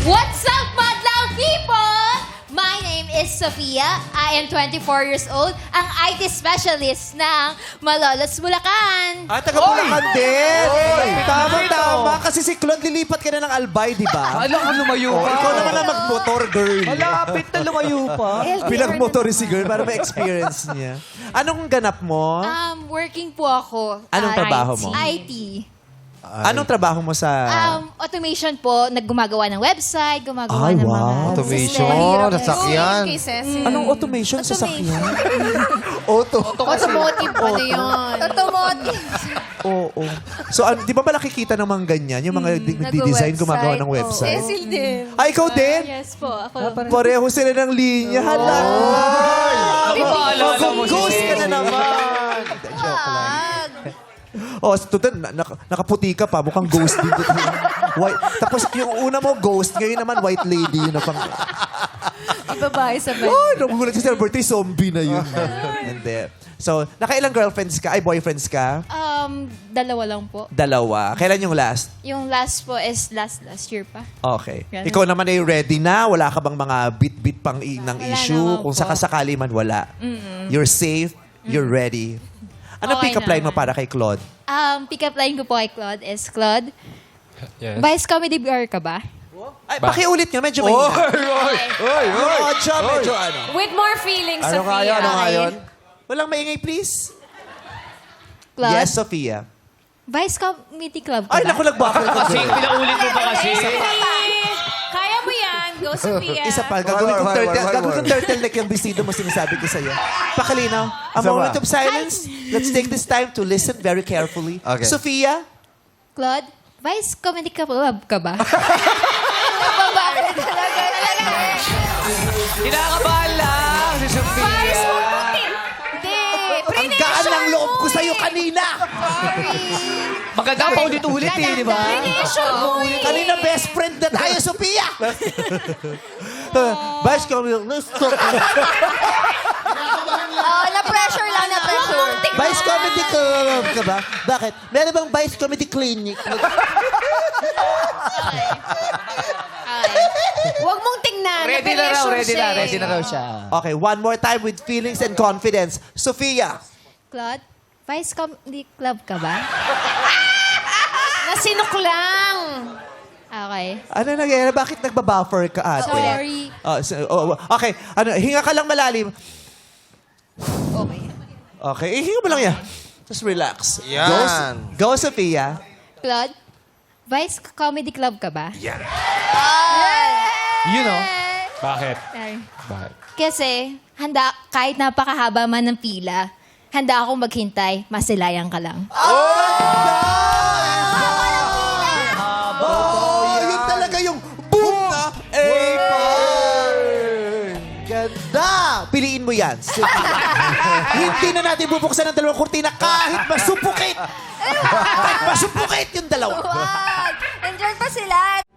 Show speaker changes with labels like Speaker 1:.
Speaker 1: What's up, madlang people? My name is Sofia. I am 24 years old, ang IT specialist ng Malolos, Bulacan.
Speaker 2: Ah, taga Bulacan din. Tama. Kasi si Claude, lilipat ka na ng Albay, di ba?
Speaker 3: Alam ko lumayo pa.
Speaker 2: Ikaw naman ang mag-motor, girl.
Speaker 3: Malapit na lumayo pa.
Speaker 2: Pinag-motor si girl para ma-experience niya. Anong ganap mo?
Speaker 1: Working po ako.
Speaker 2: Anong trabaho mo?
Speaker 1: IT.
Speaker 2: Anong trabaho mo sa...
Speaker 1: Automation po, naggumagawa ng website, gumagawa
Speaker 2: Ay,
Speaker 1: ng
Speaker 2: wow.
Speaker 1: mga...
Speaker 4: Automation, nasakyan.
Speaker 2: Anong automation sa sakyan?
Speaker 1: Automotive po na yun. Automotive.
Speaker 2: Oo. So, di ba ba nakikita ng mga ganyan? Yung mga nagdi-design, gumagawa ng website?
Speaker 1: Cecil din.
Speaker 2: Ay, ikaw din?
Speaker 1: Yes po, ako.
Speaker 2: Pareho sila ng linya. Hala!
Speaker 3: Di ba alala mo si
Speaker 2: Ghost ka na naman! Joke lang. Oh, total, nakaputi ka pa. Mukhang ghost din. White. Tapos yung una mo, ghost. Ngayon naman, white lady. Yun na pang...
Speaker 1: Babae sa bed.
Speaker 2: Oh, nagugulat si Celebrity. Zombie na yun. Hindi. So, nakailang girlfriends ka? Ay, boyfriends ka?
Speaker 1: Dalawa lang po.
Speaker 2: Dalawa. Kailan yung last?
Speaker 1: Yung last po is last year pa.
Speaker 2: Okay.
Speaker 1: Ganun.
Speaker 2: Ikaw naman ay ready na? Wala ka bang mga bit-bit pang ng
Speaker 1: Wala
Speaker 2: issue?
Speaker 1: naman
Speaker 2: Kung
Speaker 1: po.
Speaker 2: sakasakali man, wala. You're safe. You're ready. Anong
Speaker 1: Okay
Speaker 2: pick-up line mo
Speaker 1: naman.
Speaker 2: para kay Claude?
Speaker 1: Pick-up line ko po kay Claude is, Claude,
Speaker 3: Yes.
Speaker 1: Vice Comedy BR ka ba?
Speaker 2: Ay, pakiulit nga. Medyo mahina. Yung audio, medyo ano.
Speaker 5: With more feelings,
Speaker 4: Ano
Speaker 5: Sophia.
Speaker 4: kaya? Ano kaya yun?
Speaker 2: Walang maingay, please.
Speaker 1: Claude,
Speaker 2: Yes, Sophia.
Speaker 1: Vice Comedy Club ka
Speaker 2: Ay,
Speaker 1: ba?
Speaker 2: naku, nagbakal ka.
Speaker 3: Kasi pinaulit mo pa kasi.
Speaker 5: Kaya mo yan. Go, Sophia.
Speaker 2: Isa pa, gagawin kong
Speaker 4: One more.
Speaker 2: turtleneck yung vestido mo, sinasabi ko sa'yo. Pakalinaw. A
Speaker 4: Isa
Speaker 2: moment
Speaker 4: pa.
Speaker 2: of silence. Let's take this time to listen very carefully.
Speaker 4: Okay.
Speaker 2: Sophia?
Speaker 1: Claude, Vice Comedy Club ka ba? Babae talaga.
Speaker 3: Kinakabahan lang si Sophia.
Speaker 1: Hindi.
Speaker 2: Ang gaan ng loob ko sa'yo kanina.
Speaker 3: Maganda pa ulit-ulit eh, di ba?
Speaker 2: Kanina best friend na tayo, Sophia. Vice Comedy.
Speaker 1: Na-pressure lang, na-pressure.
Speaker 2: Vice Comedy Club ka ba? Bakit? Meron bang Vice Comedy Clinic?
Speaker 5: Huwag mong tingnan.
Speaker 3: Ready na raw, ready na. Ready na raw siya.
Speaker 2: Okay, one more time with feelings and confidence. Sophia.
Speaker 1: Claude, Vice Comedy Club ka ba?
Speaker 5: Nasinok lang.
Speaker 1: Okay.
Speaker 2: Ano nangyayari? Bakit nagbabuffer ka, ate?
Speaker 1: Sorry.
Speaker 2: Okay, hinga ka lang malalim.
Speaker 1: Okay.
Speaker 2: Okay, hinga mo lang yan. Just relax.
Speaker 4: Yan.
Speaker 2: Go, Sophia.
Speaker 1: Claude, Vice Comedy Club ka ba?
Speaker 3: You know? Bakit?
Speaker 1: Sorry.
Speaker 3: Bakit?
Speaker 1: Kasi, kahit napakahaba man ng pila, handa akong maghintay, masilayan ka lang.
Speaker 2: Yun talaga yung boom na Ganda! Piliin mo yan, Sophia. Hindi na natin bubuksan ang dalawang kurtina kahit masupukit. Kahit masupukit yung dalawa.
Speaker 1: Wag! Nandiyan pa sila.